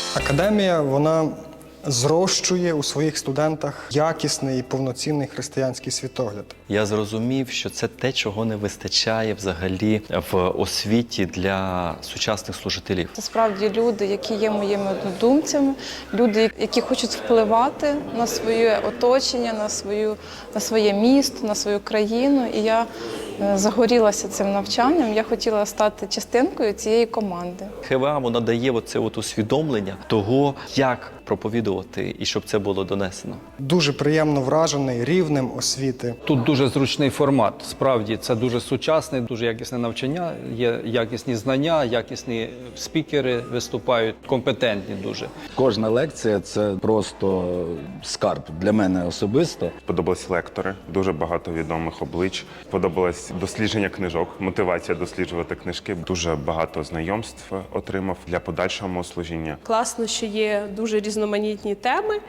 Академія, вона зрощує у своїх студентах якісний і повноцінний християнський світогляд. Я зрозумів, що це те, чого не вистачає взагалі в освіті для сучасних служителів. Це справді люди, які є моїми однодумцями, люди, які хочуть впливати на своє оточення, на своє місто, на свою країну. І я загорілася цим навчанням, я хотіла стати частинкою цієї команди. ХВА, вона дає оце усвідомлення того, як проповідувати і щоб це було донесено. Дуже приємно вражений рівнем освіти. Тут дуже зручний формат. Справді, це дуже сучасне, дуже якісне навчання, є якісні знання, якісні спікери виступають, компетентні дуже. Кожна лекція – це просто скарб для мене особисто. Подобались лектори, дуже багато відомих облич. Подобалось дослідження книжок, мотивація досліджувати книжки. Дуже багато знайомств отримав для подальшого служіння. Класно, що є дуже різноманітні теми,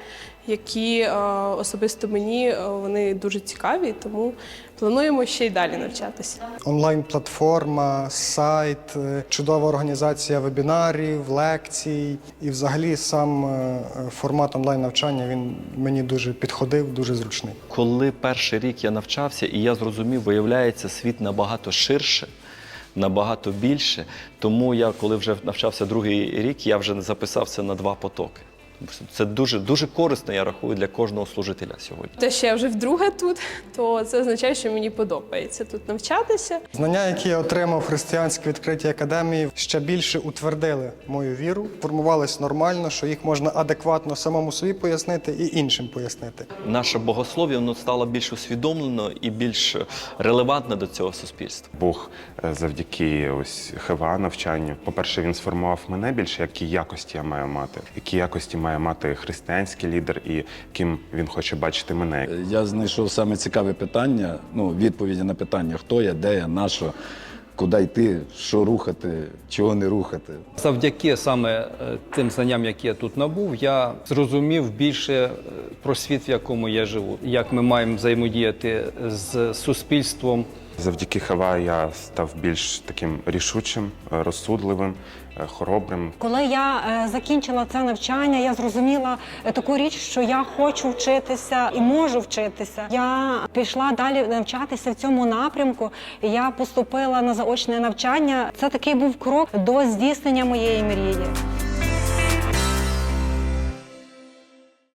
які особисто мені вони дуже цікаві, тому плануємо ще й далі навчатися. Онлайн-платформа, сайт, чудова організація вебінарів, лекцій. І взагалі сам формат онлайн-навчання, він мені дуже підходив, дуже зручний. Коли перший рік я навчався, і я зрозумів, виявляється, світ набагато ширше, набагато більше. Тому я, коли вже навчався другий рік, я вже записався на 2 потоки. Це дуже корисно, я рахую, для кожного служителя сьогодні. Те, що я вже вдруге тут, то це означає, що мені подобається тут навчатися. Знання, які я отримав в християнській відкритій академії, ще більше утвердили мою віру, формувались нормально, що їх можна адекватно самому собі пояснити і іншим пояснити. Наше богослов'я, воно стало більш усвідомлено і більш релевантне до цього суспільства. Бог завдяки ось ХВА навчанню, по-перше, він сформував мене більше, які якості я маю мати, які якості має мати християнський лідер і ким він хоче бачити мене. Я знайшов саме цікаве питання, відповіді на питання, хто я, де я, на що, куди йти, що рухати, чого не рухати. Завдяки саме тим знанням, які я тут набув, я зрозумів більше про світ, в якому я живу, як ми маємо взаємодіяти з суспільством. Завдяки ХВА я став більш таким рішучим, розсудливим, хоробрим. Коли я закінчила це навчання, я зрозуміла таку річ, що я хочу вчитися і можу вчитися. Я пішла далі навчатися в цьому напрямку. Я поступила на заочне навчання. Це такий був крок до здійснення моєї мрії.